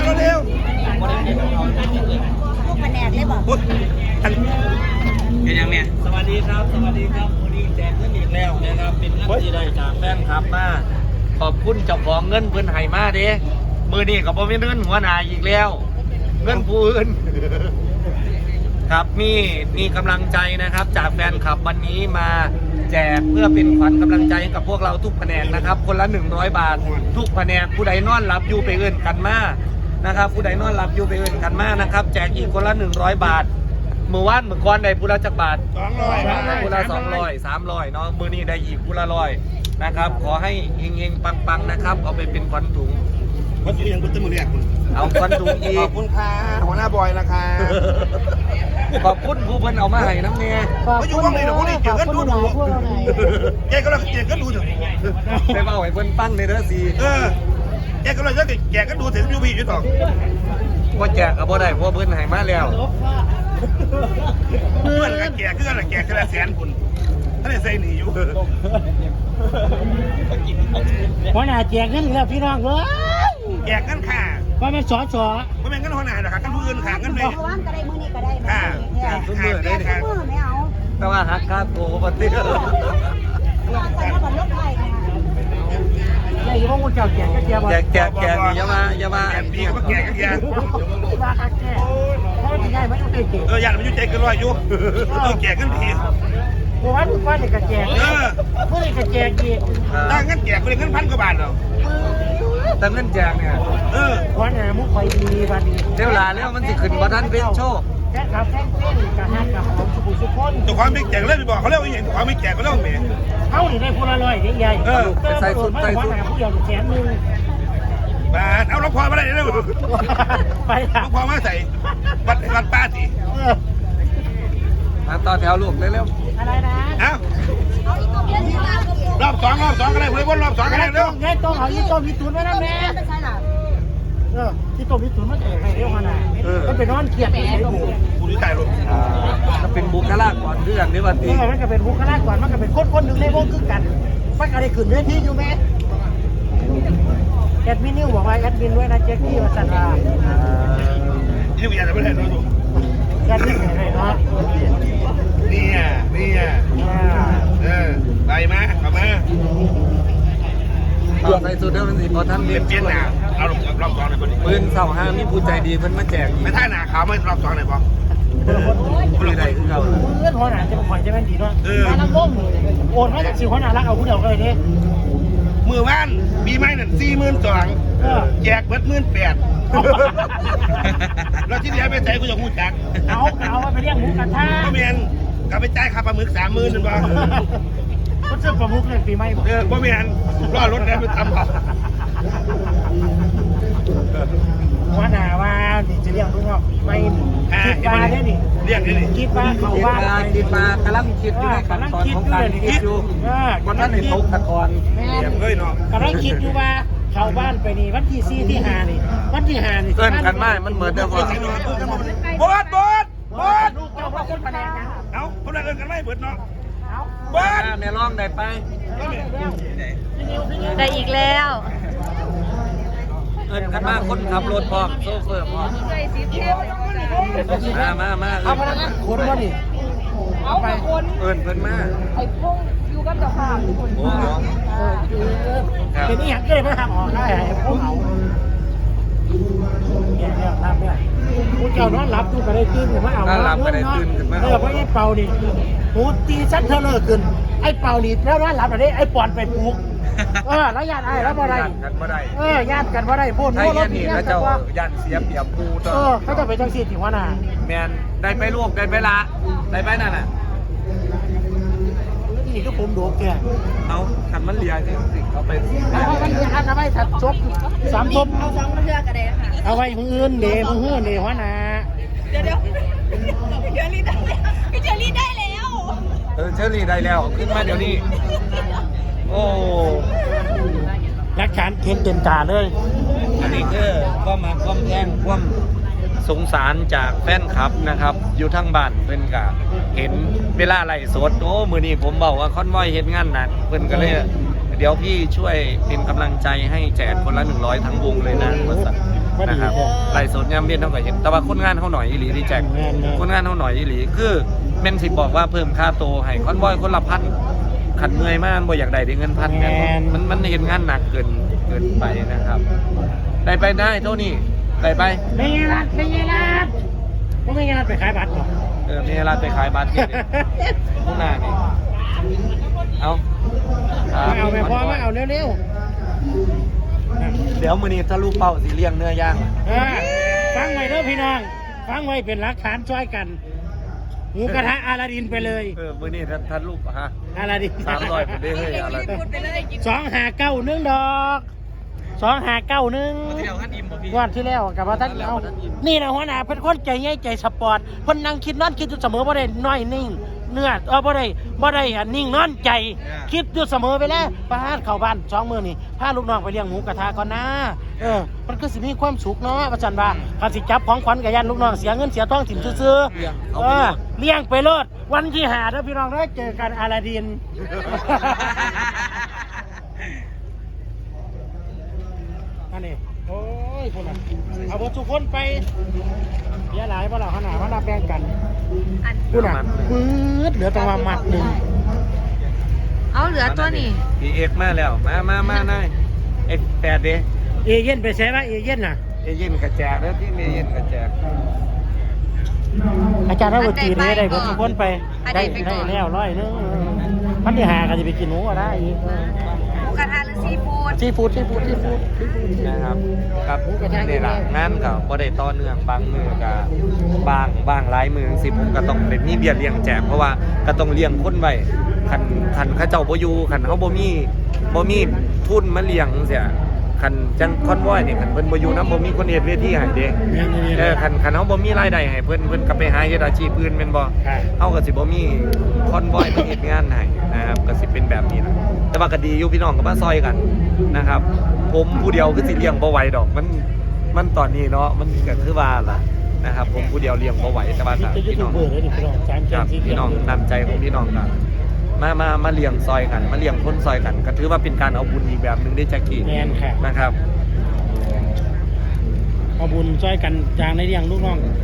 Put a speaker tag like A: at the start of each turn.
A: เร็ว
B: พวกแผนกเลยบอก
A: พุทธอัน
C: เป็นยังเนี่ยสวัสดีครับวันนี้แจกเงินอีกแล้วนะครับเป็นเงินที่ได้จากแฟนคลับมาขอบคุณเจ้าของเงินเพิ่นให้มาเด้มือนี้ก็บ่มีเงินหัวหน้าอีกแล้วเงินผู้อื่นครับมีกำลังใจนะครับจากแฟนคลับวันนี้มาแจกเพื่อเป็นขวัญกำลังใจให้กับพวกเราทุกแผนกนะครับคนละ100 บาททุกแผนกผู้ใดนอนหลับอยู่ไปเอื่นกันมานะครับผู้ใดนอนหลับอยู่ไปเอื่นกันมานะครับแจกอีกคนละ100 บาทมือวานมือก้อนได้ผู้ละจักบาท
A: 200
C: ผู้ละ200 300เนาะมือนี้ได้อีกผู้ละ100นะครับขอให้เฮงๆปังๆนะครับเอาไปเป็นขวัญถุง
A: วัดอยู่ยังพุทธมือเรียกคุณ
C: เอาขวัญถุงอี
A: ขอก บคุณค่ะหัวหน้าบอยนะคะ
C: ขอบคุณผู้เพิ่นเอามาให้น้ำเนี่ย
A: ไม่อยู่ว่างเลยหรอกพวกนี้เกี่ยวกันดูแกก็เลยเกี่ยวกันดูเถอะ
C: ไปเบาให้เพิ่นปั้งในเด้อสิ
A: แกก็เลยแกก็ดูถึงยูบีอยู่ต่อ
C: ว่าแจกก็บ่ได้เพราะเพิ่นให้มาแล้ว
A: เพื่อนกันแกคืออะไรแกคือละ100,000คุณท่านได้ใส่หนีอยู่
D: หัวหน้าแจกเงินแล้วพี่น้องเว้ย
A: แกกันค่ะ
D: ว่ามันสอ
A: ไม่เป็นกันหัวหน้าหรอกค่ะกันผู้อื่นค่ะกันเลย
B: เมื่อวานก็ได้มื้อนี้ก็ได้
A: ค่ะ
B: แค่
C: ทุกมื้อได้
B: แค่มื้อไม่เอา
C: แต่ว่าหักค่าตัวบ่ติ
B: แต่ถ้าบันลดไทยนะคะ
D: ใหญ่พวกมึงเจ้าแจกก็แจกบ่
C: แจกนี่อย่ามา
A: แกปีก็แกกันแก
D: ว่าคักแก่เพราะมันใหญ่ไม่ต้องเตะ
A: ญาติมันอยู่ใจเกินร้อยอยู่แกกันผี
D: เมื่อวานนี่ก็แจกเมื่อนี่ก็แจกอีก
A: ตั้งเงินแจกเป็นเงิน1,000 กว่าบาทเหรอ
C: แต่เงินแจกเนี่ย
D: หัวหน้ามุกคอยดีบัดนี้
C: เดี๋ยวลาแล้วมันสิขึ้นบ่ทันเป็นโชค
D: แค่ขับแค่เส้นกับฮักกับของสุขุมสุขคน
A: ตัวความไม่แจกเลยไปบอกเขาเรียกว่าอย่างตัวความไม่แจกก็เรียกว่าเมย์
D: เขาหนีได้พูละร้อยใหญ่หัวหน้าผู้เดียว100,000
A: บาทเอาล็อกคอมาได้เร็ว
D: ไป
A: ล็อกคอมาใส่วัดป้าสิ
C: มาต่อแถวลูกเร็ว
D: อะไรนะ
A: เอ้ารอบสองก็ได้เลยวนรอบ2ก็ได้เร็ว
D: ไงต้องเอายี่ต้มยี่ตุ๋นไว้นะแม่
B: ไม่ใช่หรอ
D: ที่ต้มยี่ตุ๋นมาแจกให้เรียกหัวหน้าก็เป็นนอนเครียดไปเลย
A: กูดีใจรถ
C: ๆจะเป็นบุคลากรเรื่องนี้ว่าติ
D: มันก็เป็นบุคลากรมันก็เป็นคนหนึ่งในวงคือกันมันก็ได้ขึ้นเวทีอยู่แม่แอดมินนิวบอกว่าแอดมินด้วยนะเจ๊กี้มาสั่นว่า
A: นี่กูอยากจะไม่ได้รู้ตัว
D: แอดมินไหนเนาะ
A: นี่ไปมาเข้ามา
C: ต่อใส่สุดเดี๋ยวมันสิบ่ทัน
A: เป
C: เรียน
A: ลี่ยนหน้าเอารอบ2หน่อยพอดี
C: ปืนเสาห้ามีผู้ใจดีเพิ่นมาแจกอี
A: ไม่
C: ก
A: ท่าหน้าขาวไม่รอบ2หน่อยพอ
C: คือใดคือเก่า
D: เพื่อนหัวหน้าจะมาคอยจะเป็นดีเนาะมาลังล้มโอนมาจากสิหัวหน้ารักเอาผู้เดียวเลยเนี่ย
A: มือว่านปีใหม่นั่น42,000แจกเบิด18,000แล้วที่เหลือไปใส่กูจะพูดจัก
D: เอาไปเรียกหมูกระทะ
A: ก็เมียนกลับไปจ่ายค่าปลาหมึก30,000นึงบ่
D: ก็ซื้อปลาหมึกเลยปีใหม่บอก
A: บ่เมียนรอรถแล้วไปทำบ่
D: หัวหน้าว่านี่จะเรียกลูกน้องไม่คิดปลาเนี่ยนี่
A: เรียกนี่
D: คิดปลาเขาว่า
C: คิดมากำลังคิดอยู่ในขั้นตอนของการคิดอยู่วันนั้นในตกตะกอน
D: แม่
A: เรียกเลยเนาะ
D: กำลังคิดอยู่ว่าเข้าบ้านไปนี่วันที่4ที่5นี่วันที่5นี่
C: เอิ้นกันมามันเหมือนเดิมว่า
A: บด
D: ลูกเจ้าพ่อคนแผนกนะ
A: เอ้าคนละเอิ้นกันไม่เบิดเนาะ
D: เอา
A: บด
C: แม่ร้องได้ไป
B: ได้อีกแล้ว
C: เอิ้นกันมาคนขับรถพร้อมโซเฟอร์พร้อมมา
D: เอาพนักงานขนมาดิ
B: เอาไปคน
C: เอิ้นเพิ่นมา
B: ไอ้พงอยู่กับเจ้าภาพทุกคน
C: โอ้โห
D: เป็นนี่ยังก็เลยมาทำออกได้ไอ้พวกเอาเนี่ยทำเนี่ยกูเจ้านอนหลับกูก็ได้ตื่นขึ้นมาเอาเพราะไอ้เป่านี่หูตีชั้นเธอเลิกขึ้นไอ้เป่านี่แล้วนอนหลับอะไรไอ้ปอนไปปลุกแล้วญาติไอ้แล้วบ่ได้
C: กันบ่ได้
D: ญาติกันบ่ได้พูด
C: ไทยนี่แล้วเจ้าย่านเสียเปรียบกูต่อ
D: เขาจะไปจังสีที่หัวหน้า
C: แม่นได้ไปลูกได้ไปละได้ไปนั่นน่ะ
D: นี่ก็ผมดูแก
C: เอาคันมันเลียจริงๆเอาไป
D: เอาไว้ทำไมถัดชก3ทบ
B: เอา2มาเลือกกันเลยค่ะ
D: เอาไว้มืออื่นเดมือหื้อเดหัวหน้า
B: เดี๋ยวพี่เชอรี่ได้แล้วพี่เชอรี่ได้แล้ว
C: เชอรี่ได้แล้วขึ้นมาเดี๋ยวนี้โอ้
D: รักฐานเข็นเต็มตาเลย
C: อันนี้คือก็มาความแท่งความสงสารจากแฟนคลับนะครับ อยู่ทั้งบ้านเพิ่นก็เห็นเวลาไล่สดโอ้มื้อนี้ผมบอกว่าคอนวอยเฮ็ดงานหนักเพิ่นก็เลยเดี๋ยวพี่ช่วยเป็นกำลังใจให้แจกคนละ100ทั้งวงเลยนะว่าซั่นนะครับไล่สดยามเวียนเท่ากับเห็นแต่ว่าคนงานเขาหน่อยอีหลีดีแจ็คคนงานเขาหน่อยอีหลีคือเมนสิบอกว่าเพิ่มค่าโตให้คอนบอยคนละพันขันเมื่อยมากบ่อยากได้เงินพันกันมันเห็นงานหนักเกินไปนะครับได้ไปได้เท่านี้ได้ไป
D: ไม่เงี้ยรัดก็ไม่เงี้ยรัดไปขายบัตรก่อน
C: มีร้านไปขายบัตรนี่ข้างหน้านี่เอา
D: ไม่พอไม่เอาเร็ว
C: เดี๋ยวมือนี้ถ้าลูกเป้าสีเลี้ยงเนื้อย่าง
D: ฟังไว้เด้อพี่น้องฟังไว้เป็นหลักฐานช่วยกันหมูกระทะอาลาดินไปเลย
C: มือนี้ท่านลูกฮะ
D: อาลาดิน
C: 300ไปได้เลยอาลาดิน
D: 2591ดอก2591วันที่แล้วกับว่าท่านเอานี่นะหัวหน้าเป็นคนใจใหญ่ใจสปอร์ตคนนั่งคิดนอนคิดอยู่เสมอบ่ได้น้อยนิ่งเนื้อบ่ได้นิ่งนอนใจคิดอยู่เสมอไปแล้วพาเข้าบ้าน2มื้อนี่พาลูกน้องไปเลี้ยงหมูกระทะก่อนนะมันก็สิมีความสุขเนาะว่าซั่นว่าคันสิจับของขวัญกับยันลูกน้องเสียเงินเสียทองถิ่มซื่อๆเลี้ยงไปโลดวันที่5เด้อพี่น้องเด้อเจอกันอาลาดินอันนี้โอ้ยคนละเอาบททุกคนไปเยอะหลายเพราะเราขนาดว่าเราแบ่งกันคุณอ่ะปื๊ดเหลือตัวมัดหนึ่ง
B: เอาเหลือตัวนี้
C: พีเอ็กมาแล้วมานายX8ดิ
D: เอเย่นไปใช้ป่ะเอเย่นน่ะ
C: เอเย่นกระแจกแล้วที่เอเย่นกระแจก
D: อาจารย์ถ้าบทจีนนี้ได้บททุกคนไปได้แล้ว100นึงพันที่5ก็จะไปกินหมูก็ได้อีก
B: กระทะหรือซีฟู้ด
C: นะครับครับนี่แหละงานกับบ่ได้ต่อเนื่องบางมือกับบางหลายมือสิผมก็ต้องเป็นมีเบียร์เลี้ยงแจกเพราะว่าก็ต้องเลี้ยงคนไว้คันเขาเจ้าบ่อยู่คันเขาบ่มีทุนมาเลี้ยงเสียคันจังคอนวอยนี่คันเพิ่นบ่อยู่นำบ่มีคนเฮ็ดเวทีให้เด้คันเฮาบ่มีรายได้ให้เพิ่นก็ไปหาเฮ็ดอาชีพอื่นแม่นบ่เฮาก็สิบ่มีคอนวอยมาเฮ็ดงานให้นะครับก็สิเป็นแบบนี้ล่ะแต่ว่าก็ดีอยู่พี่น้องก็มาซอยกันนะครับผมผู้เดียวคือสิเลี้ยงบ่ไหวดอกมันตอนนี้เนาะมันก็คือว่าล่ะนะครับผมผู้เดียวเลี้ยงบ่ไหวแต่ว่าพี่น้องพี่น้องนำใจของพี่น้องกันมาเลี้ยงซอยกันมาเลี้ยงคนซอยกันก็ถือว่าเป็นการเอาบุญอีกแบบนึงได้แจ็คกี้นะครับ
D: เอาบุญซอยกันจางในเลี้ยงลูกน้อง